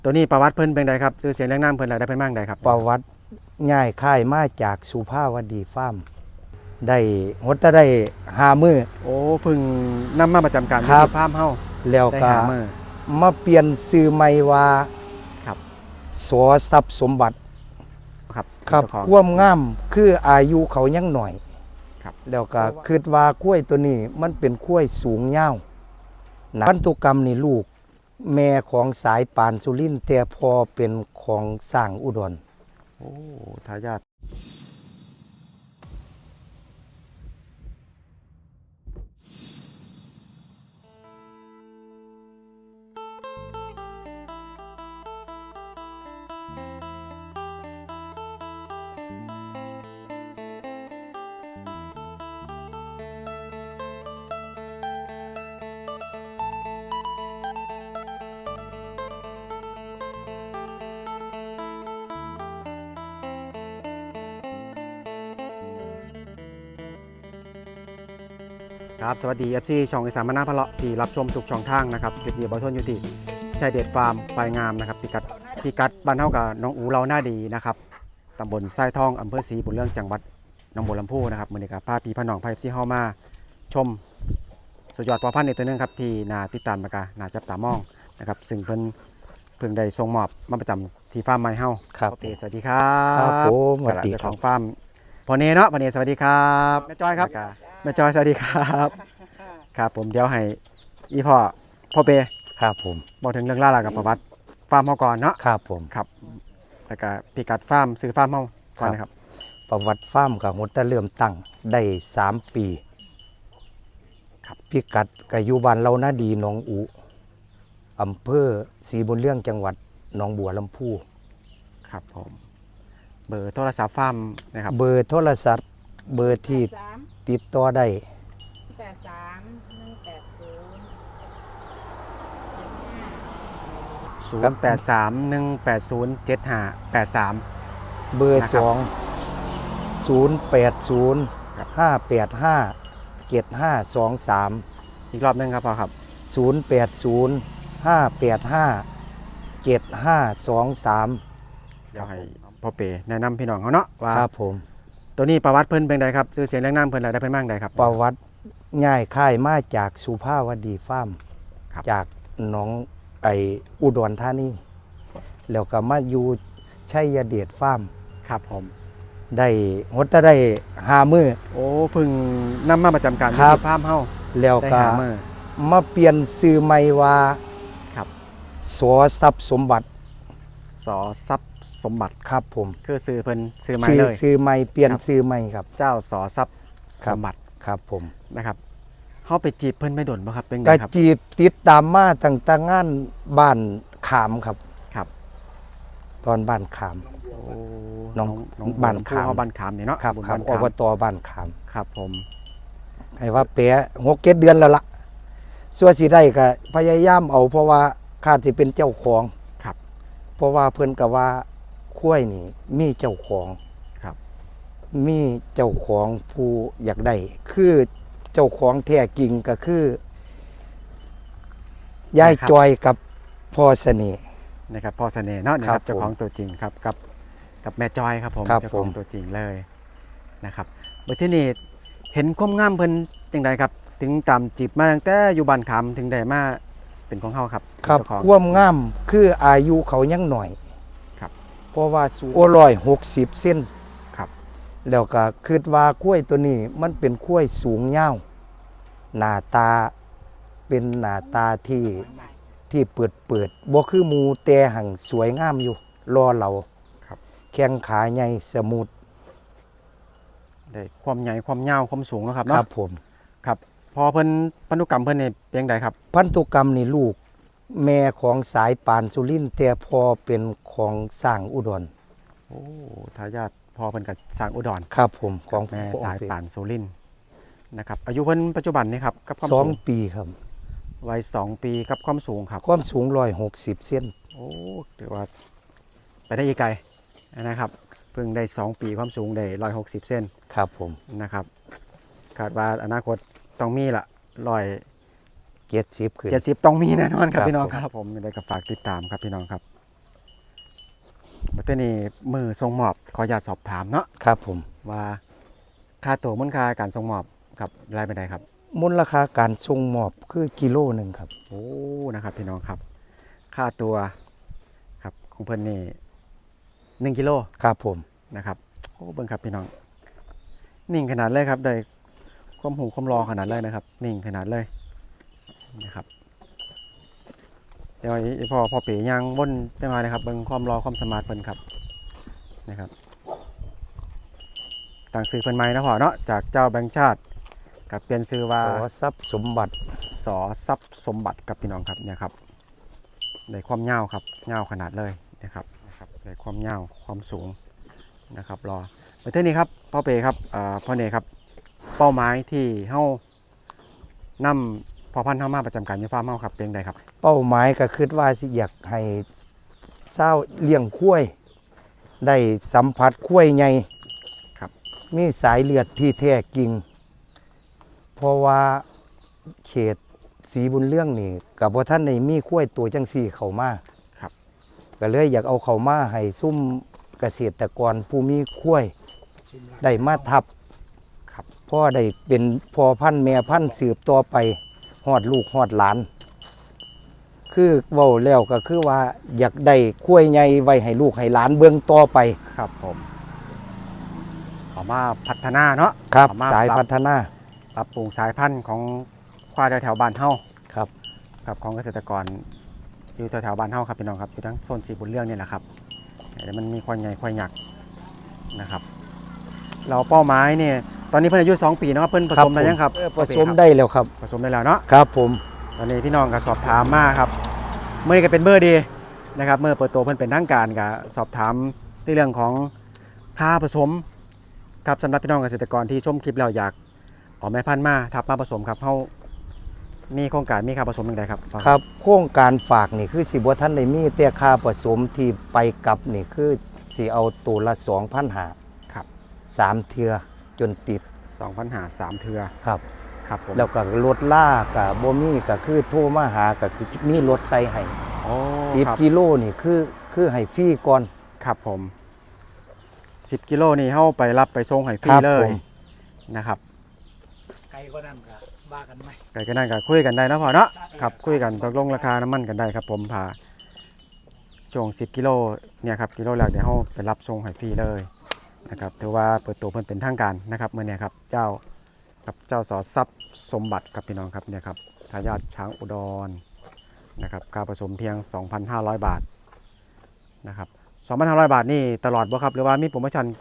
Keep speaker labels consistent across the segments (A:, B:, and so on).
A: ตัวนี้ประวัติเพิ่นเป็นไดครับชื่อเสียงเรื่องน้ำเพิ่นอะไรได้เพิ่นมั่งใดครับ
B: ประวัติง่ายค่ายมาจากสุภาวดีฟาร์มได้หดได้5 มื้อ
A: โอ้เพิ่งนำมาประจำการที่ฟาร์มเฮา
B: แล้ว
A: ได้
B: ก็
A: หามื้อ
B: มาเปลี่ยนชื่อใหม่ว่า
A: ครับ
B: สอทรัพย์สมบัติ
A: ครับ
B: ครับความงามคืออายุเขายังหน่อย
A: ครับ
B: แล้วก็คิดว่ากล้วยตัวนี้มันเป็นกล้วยสูงยาวพันธุกรรมนี่ลูกแม่ของสายปานสุรินทร์แต่พอเป็นของสร้างอุดร
A: โอ้ทายาทครับสวัสดี FC ช่องอีสานมนาพะเลาะที่รับชมทุกช่องทางนะครับคลิปนี้บ่ทนอยู่ที่ชายเดชฟาร์มปลายงามนะครับพิกัดบ้านเฮากับน้องอูเราหน้าดีนะครับตำบลทรายทองอำเภอศรีบุญเรื่องจังหวัดหนองบัวลำพูนะครับมื้อนี้ก็พาพี่พน้องพา FC เฮามาชมสุดยอดพ่อพันธุ์ในตัวนึงครับที่น่าติดตามแล้วก็น่าจับตามองนะครับซึ่งเพิ่งได้ส่งมอบมาประจำที่ฟาร์มใหม่เฮา
B: ครับ
A: สวัสดีครับ
B: ครับผมสวัสดีค
A: ข
B: รับ
A: องฟาร์มพ่อเนเนาะพ่อเนสวัสดีครับแม่จอยครับแม่จอยสวัสดีครับครับผมเดี๋ยวให้อีพ่อเป
B: ครับผม
A: บอกถึงเรื่องราวกับประวัติฟาร์มเฮาก่อนเนาะ
B: ครับผม
A: ครับแล้วก็พิกัดฟาร์มซื้อฟาร์มเฮาก่อนนะครับ
B: ประวัติฟาร์มกับหดเริ่มตั้งได้3 ปี
A: ครับ
B: พิกัดก็อยู่บ้านเรานาดีหนองอูอำเภอศรีบุญเรื่องจังหวัดหนองบัวลำพู
A: ครับผมเบอร์โทรศัพท์ฟาร์มนะครับ
B: เบอร์โทรศัพท์เบอร์ที่ติดต่อได้
A: 083-180-7583
B: เบอร์2 080-585-7523
A: อีกรอบนึงครับพ่อครับ
B: 080-585-7523
A: เดี๋ยวให้พ่อเปแนะนำพี่น้องเขาเนาะว่า
B: ครับผม
A: ตัวนี้ประวัติเพิ่นเป็นไดครับชื่อเสียงเรื่องน้ำเพิ่นอะไรได้เพิ่นมั่งใดครับ
B: ประวัติง่ายค่ายมาจากสุภาวดีฟาร์มจากหนองอุดรธานีแล้วก็มาอยู่ชัยเดชฟาร์ม
A: ครับผม
B: ได้หดได้5 มื้อ
A: โอ้เพิ่งนำมาประจำการที่ฟาร์มเฮา
B: แล้วก็มาเปลี่ยนชื่อใหม่ว่า
A: ครับ
B: สอทรัพย์สมบัติ
A: สอทรัพย์สมบัติ
B: ครับผม
A: คือชื่อเพิ่นชื่อใหม่เลย
B: ชื่อใหม่เปลี่ยนชื่อใหม่ครับ
A: เจ้าสอทรัพย์สมบัติ
B: ครับผม
A: นะครับเฮาไปจีบเพิ่นไม่ดนบ่ครับเป็นไง
B: ก็
A: ครับ
B: จีบติดตามมาตั้งแต่งานบ้านขามครับ
A: ครับ
B: ตอนบ้านขามน้องบ้านขาม
A: บ้านขามนี่เนาะ
B: ครับครับอบตบ้านขาม
A: ครับผม
B: ให้ว่าเปะ6-7 เดือนแล้วล่ะส่วนสิได้ก็พยายามเอาเพราะว่าข้าสิเป็นเจ้าของ
A: ครับ
B: เพราะว่าเพิ่นก็ว่าคุ้ยนี่มีเจ้าของ
A: ครับ
B: มีเจ้าของผู้อยากได้คือเจ้าของแท้จริงก็คือยายจอยกับพ่อเสน่ห์
A: นะครับพ่อเสน่ห์เนาะนะครับเจ้าของตัวจริงครับกับแม่จอยครับผมเจ้าของตัวจริงเลยนะครับเมื่อที่นี่เห็นความงามเพิ่นจังไดครับถึงตามจีบมาตั้งแต่อยู่บ้านขามถึงได้มาเป็นของเฮาครับ
B: ครับความงามคืออายุเขายังหน่อย
A: ครับ
B: เพราะว่าสูง160 เซน
A: ครับ
B: แล้วก็คิดว่ากล้วยตัวนี้มันเป็นกล้วยสูงยาวหน้าตาเป็นหน้าตาที่เปิดบ่คือหมูแต่หังสวยงามอยู่รอเราแข้งขาใหญ่สมูท
A: ได้ความใหญ่ความยาวความสูงนะครับ
B: เนาะครับผม
A: ครับพอเพิ่นพันธุกรรมเพิ่นนี่เป็นจังไดครับ
B: พันธุกรรมนี่ลูกแม่ของสายปานสุรินทร์แต่พอเป็นของสร้างอุดร
A: โอ้ทายาทพ่อเพิ่นก็สร้างอุดร
B: ครับผมของ
A: แม่สายปานสุรินทร์นะครับอายุเพิ่นปัจจุบันนี่ครับกับความสูง
B: 2 ปีครับ
A: วัย2 ปีกับความสูงครับ
B: ความสูง160 เซน
A: โอ้ถือว่าไปได้อีกไกลนะครับเพิ่งได้2 ปีความสูงได้160 เซน
B: ครับผม
A: นะครับคาดว่าอนาคตต้องมีละ
B: 170 ขึ้น
A: 70ต้องมีแน่นอนครับพี่น้องครับผมได้กับฝากติดตามครับพี่น้องครับบัดนี้มือส่งมอบขออนุญาตสอบถามเนาะ
B: ครับผม
A: ว่าค่าตัวมูลค่าการส่งมอบกับรายเป็นใดครับ
B: มูลค่าการส่งมอบคือกิโลหนึ่งครับ
A: โอ้นะครับพี่น้องครับค่าตัวครับของเพิ่นนี่1กิโล
B: ครับผม
A: นะครับโอ้เบิ่งครับพี่น้องนิ่งขนาดเลยครับได้ความหูความรอขนาดเลยนะครับ นิ่งขนาดเลยนะครับเดี๋ยวไอ้พ่อเป๋ย่างบนจังหวะนะครับเบิ่งความรอความสมาร์ทเพิ่นครับนะครับต่างซื้อเพิ่นใหม่นะพ่อเนาะจากเจ้าแบงค์ชาติกับเปลี่ยนซื้อว่า
B: สอทรัพย์สมบัติ
A: สอทรัพย์สมบัติกับพี่น้องครับเนี่ยครับในความยาวครับยาวขนาดเลยนะครับในความยาวความสูงนะครับรอไปเท่านี้ครับพ่อเป๋ครับพ่อเนครับเป้าหมายที่เฮ้านำพอพันธุ์เฮ้ามาประจำการอยู่ฟาร์มเฮ้าครับเป็นไงครับ
B: เป้าหมายก็คือว่าสิอยากให้เจ้าเลี้ยงคุ้ยได้สัมผัสคุ้ยใหญ่
A: ครับ
B: มีสายเลือดที่แท้จริง เพราะว่าเขตสีบุญเรื่องนี่กับว่าท่านในมีคุ้ยตัวจังสี่เขามา
A: ครับ
B: ก็เลยอยากเอาเขามาให้ซุ่มเกษตรกรผู้มีคุ้ยได้มาทับ
A: ครับ
B: พ่อได้เป็นพ่อพันธุ์แม่พันธุ์สืบต่อไปฮอดลูกฮอดหลาน คือเว้าแล้วก็คือว่าอยากได้คุ้ยใหญ่ไว้ให้ลูกให้หลานเบิ่งต่อไป
A: ครับผมออกมาพัฒนาเนาะ
B: ครับ
A: ออกมา
B: สายพัฒนา
A: ปรับปรุงสายพันธุ์ของควายแถวๆบ้านเฮ้า
B: ครับ
A: กับของเกษตรกรอยู่แถวๆบ้านเฮ้าครับพี่น้องครับอยู่ทั้งโซนสีบุญเรื่องนี่แหละครับแต่มันมีควายใหญ่ควายหยักนะครับ เราเป้าหมายเนี่ยตอนนี้เพิ่นอายุ2 ปีเนาะเพิ่นผสมได้ยังครับ
B: ผสมได้แล้วครับ
A: ผสมได้แล้วเนาะ
B: ครับผม
A: ตอนนี้พี่น้องก็สอบถามมาครับเมื่อนี้ก็เป็นเบอร์ดีนะครับเมื่อเปิดตัวเพิ่นเป็นทางการก็สอบถามในเรื่องของค่าผสมครับสำหรับพี่น้องเกษตรกรที่ชมคลิปแล้วอยากเอาแม่พันธุ์มาทับมาผสมครับเฮามีโครงการมีค่าผสมอย่างไรครับ
B: ครับโครงการฝากนี่คือสิบ่ท่านได้มีแต่ค่าผสมที่ไปกลับนี่คือสิเอาตัวละ 2,500
A: ครับ
B: 3เทือจนติด
A: 2,503เทือ
B: ครับ
A: ครับผม
B: แล้วก็รถล่าก็บ่มีก็คือโทรมาหาก็คือมีรถใส่ให้
A: โอ้ครับ
B: 10กิโลนี่คือให้ฟรีก่อน
A: ครับผม10กิโลนี่เฮาไปรับไปส่งให้ฟรี
B: ครับ
A: เล
B: ผ
A: ย
B: ม
A: นะครับ
C: ไกลก็นั่นก็บ้ากันไหม
A: ไก่ก็นั่นก็คุยกันได้นะพ่อเนาะครับคุยกันตกลงราคาน้ำมันกันได้ครับผมพาช่วง10กิโลเนี่ยครับกิโลแรกเดี๋ยวเฮาไปรับส่งให้ฟรีเลยนะครับถือว่าเปิดตัวเพิ่นเป็นทางการนะครับเมื่อเนี่ยครับเจ้ากับเจ้าสอทรัพย์สมบัติครับพี่น้องครับเนี่ยครับทายาทช้างอุดรนะครับค่าผสมเพียง 2,500 บาทนะครับ 2,500 บาทนี่ตลอดบ่ครับหรือว่ามีโปรโมชั่น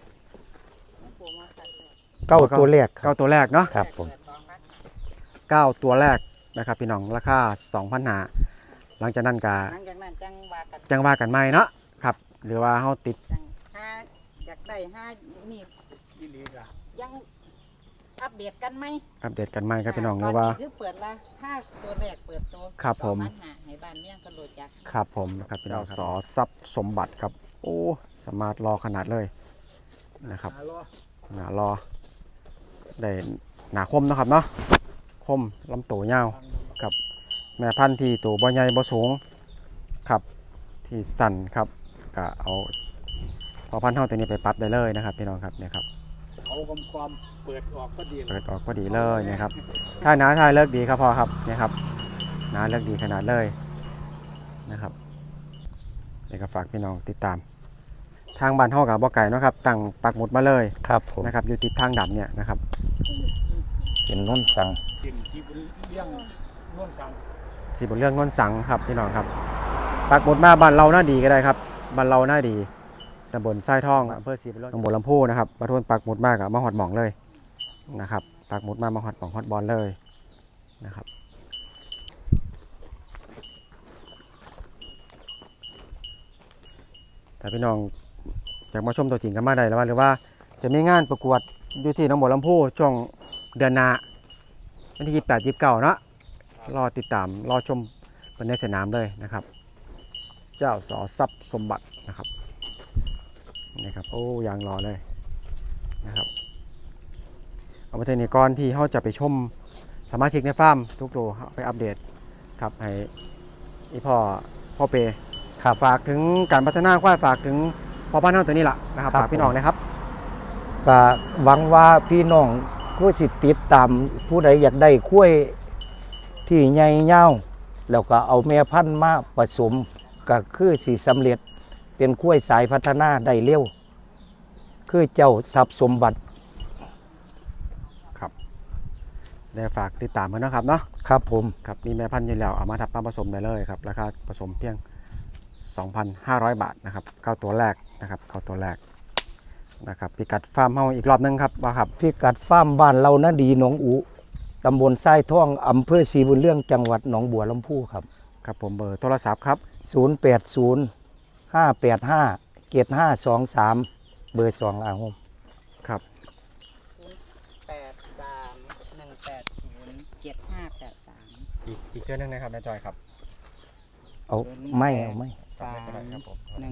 B: เก้าตัวแรกครั
A: เก้า
B: บ
A: ตัวแรกเนาะ
B: ครับผม
A: 9ตัวแรกนะครับพี่น้องราคา 2,000 หลังจากนั้นก็
D: หลังจากนั้นจังว่ากัน
A: จังว่ากันใหม่เนาะครับหรือว่าเฮาติด
D: จังห้าอยากได้ห้านี่
C: ยี่ลีกอะ
D: ยังอัปเดตกันไหม
A: อัปเดตกันใหม่ครับพี่น้องห
D: ต
A: รือว่า
D: คือเปิดละถ้าตัวแรกเปิดตัว
A: ครับผม
D: 2,500ให้บ้านเมี่ยงก็รู้จัก
A: ครับผมนะครับพี่น้องสอทรัพย์สมบัติครับโอ้สมาร์ทรอขนาดเลยนะครับ
C: หาล้อ
A: หนารอได้หนาคมเนาะครับเนาะคมลำตัวยาวกับแม่พันธุ์ที่ตัวบ่ใหญ่บ่สูงครับที่สั่นครับก็เอาพอพันธุ์เท่าตัวนี้ไปปรั๊บได้เลยนะครับพี่น้องครับเนี่ยครับ
C: เขาความเปิดออกก็ดี
A: เปิดออกพอดีเลยเนี่ยครับถ้าหนาทายเลิกดีครับพอครับเนี่ยครับหนาเลิกดีขนาดเลยนะครับเดี๋ยวก็ฝากพี่น้องติดตาม ทางบ้านเฮากับบ่ไก่นาะครับตั้งปักหมุดมาเลย
B: ครับผม
A: นะครับอยู่ติดทางดำเนี่ยนะครับ
B: เส้นนุ่นสัง
C: เสียงชีบุญเลี้ยงน่วนสั่ง
A: สีบนเรื่องนนสังครับพี่น้องครับปักหมุดมาบ้านเราหน้าดีก็ได้ครับบ้านเราหน้าดีตำบลทรายทองอำเภอสีบุญเรื่องตำบลลำพูนะครับมาทวนปักหมุดมากกับมาหอดหม่องเลยนะครับปักหมุดมาหอดหม่องฮอดบอลเลยนะครับแต่พี่น้องอยากมาชมตัวจริงกันมาได้แล้วว่าหรือว่าจะมีงานประกวดอยู่ที่หนองบัวลำพูช่วงเดือนหน้าวันที่28 29เนาะรอติดตามรอชมเป็นในสนามเลยนะครับ เจ้าสอทรัพย์สมบัตินะครับนี่ครับโอ้ยางรอเลยนะครับเอาไปเทนี้ก่อนที่เขาจะไปชมสมาชิกในฟาร์มทุกตัวไปอัปเดตครับให้อีพ่อเป
B: ครับ
A: ฝากถึงการพัฒนาควายฝากถึงพอบ้านเฮาตัวนี้ล่ะนะครับ
B: ครับ
A: ฝากพี่น้องนะครับ
B: ก็หวังว่าพี่น้องก็สิติดตามผู้ใดอยากได้กล้วยที่ใหญ่ยาวแล้วก็เอาแม่พันธุ์มาผสมก็คือสิสำเร็จเป็นกล้วยสายพัฒนาได้เร็วคือเจ้าทรัพย์สมบัติ
A: ครับได้ฝากติดตามเพิ่นนะครับเนาะ
B: ครับผม
A: ครับมีแม่พันธุ์อยู่แล้วเอามาทับมาผสมได้เลยครับราคาผสมเพียง 2,500 บาทนะครับ9ตัวแรกนะครับ9ตัวแรกนะครับพิกัดฟาร์มเฮาอีกรอบนึงครับว่าครับ
B: พิกัดฟาร์มบ้านเรานะดีหนองอุตำบลทรายท่องอำเภอศรีบุญเรื่องจังหวัดหนองบัวลำพูครับ
A: ครับผมเบอร์โทรศัพท์ครับ
B: 080 585 7523 เบอร์2อาหม
A: ครับ
D: 083-180-7583
A: อีกเทื่อนึงนะครับแม่จอยครับ
B: เอาไม่เอาไม่
A: ครับผม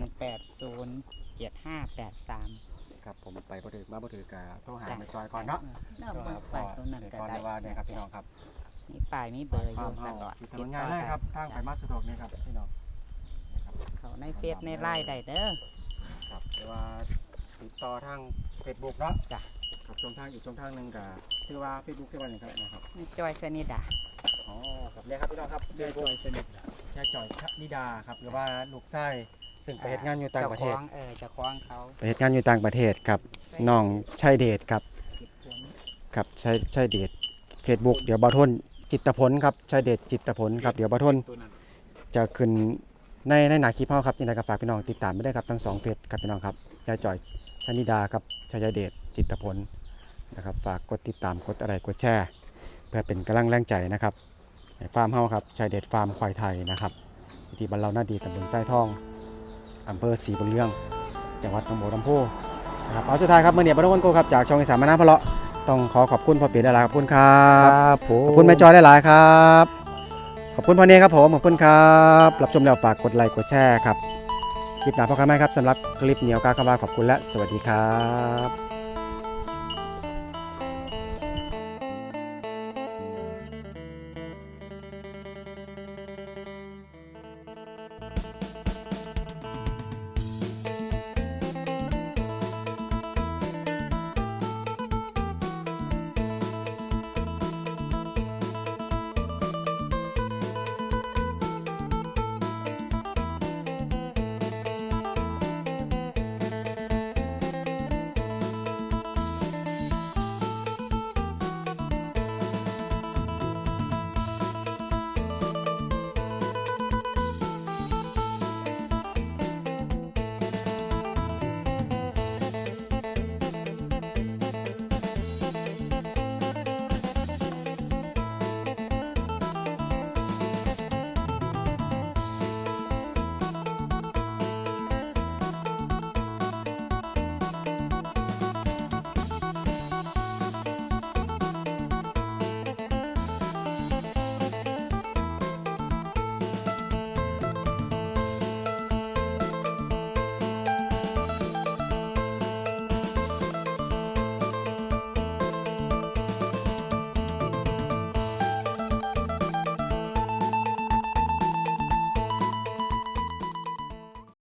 D: 180-7583
A: ครับผมไปบ่ถือมาบ่ถือกะโทรหาแม่จอยก่อนเนาะ
D: น้ำมันไปตรงนั้นก็
A: ก่อน
D: ได้
A: เลยว่าเนี่ยครับพี่น้องครับ
D: มีป้ายมีเบอร์อ
A: ฟา
D: ยู่
A: ร์ม
D: ต
A: เฮา
D: ลอด
A: อยู่ถนนใหญ่เลยครับทางไปมาสะดวกนี่ครับพี่น้องนะครับ
D: เขาในเฟซในไลน์ได้เด้อ
A: ครับแต่ว่าติดต่อทาง Facebook เนาะ
D: จ้ะ
A: ครับช่องทางอีกช่องทางหนึงก็ชื่อว่า Facebook ชื่อว่าหยังครับนะครับ
D: จอยชนิดา
A: อ๋อครับเนี่ยครับพี่น้องครับ
C: ได้
A: Facebook
C: จอยสนิทนะ
A: ชายจ่อยชะนิดาครับหรือว่าลูกชายซึ่งไปเฮ็ดงานอยู่ต่างประเทศ
D: เจะคล้าของเขา
A: ไปเฮ็ดงานอยู่ต่างประเทศครับน้องชัยเดชครับ
D: ผิดผล
A: ครับชัยเดช Facebook เดี๋ยวบ่าวทนจิตรผลครับชัยเดชจิตรผลครับเดี๋ยวบ่าวทน
C: ตัวนั้น
A: จะขึ้นในหน้าคลิปเฮาครับยังไงก็ฝากพี่น้องติดตามไปด้วยครับทั้ง2เฟซครับพี่น้องครับยายจ่อยชนิดากับชัยเดชจิตรผลนะครับฝากกดติดตามกดอะไรกดแชร์เพื่อเป็นกำลังแรงใจนะครับให้ฟาร์มเฮาครับชัยเดชฟาร์มควายไทยนะครับอยู่ที่บ้านเราหน้าดีตำบลไส้ทองอำเภอศรีบุญเรื่องจังหวัดหนองบัวลำพูนะครับเอาสุดท้ายครับเมื่อเนี่ยบรรทุกคนโกครับจากช่องอีสานมานาพะเลาะต้องขอบคุณพ่อเปียหลายๆขอบคุณครั
B: ครับ บผม
A: ขอบคุณแม่จอยหลายๆครับ ขอบคุณพ่อเนครับผม ขอบคุณครับ รับชมแล้วฝากกดไลค์กดแชร์ครับ คลิปหน้าพบกันใหม่ครับสำหรับคลิปเหนียวกากบาทขอบคุณและสวัสดีครับ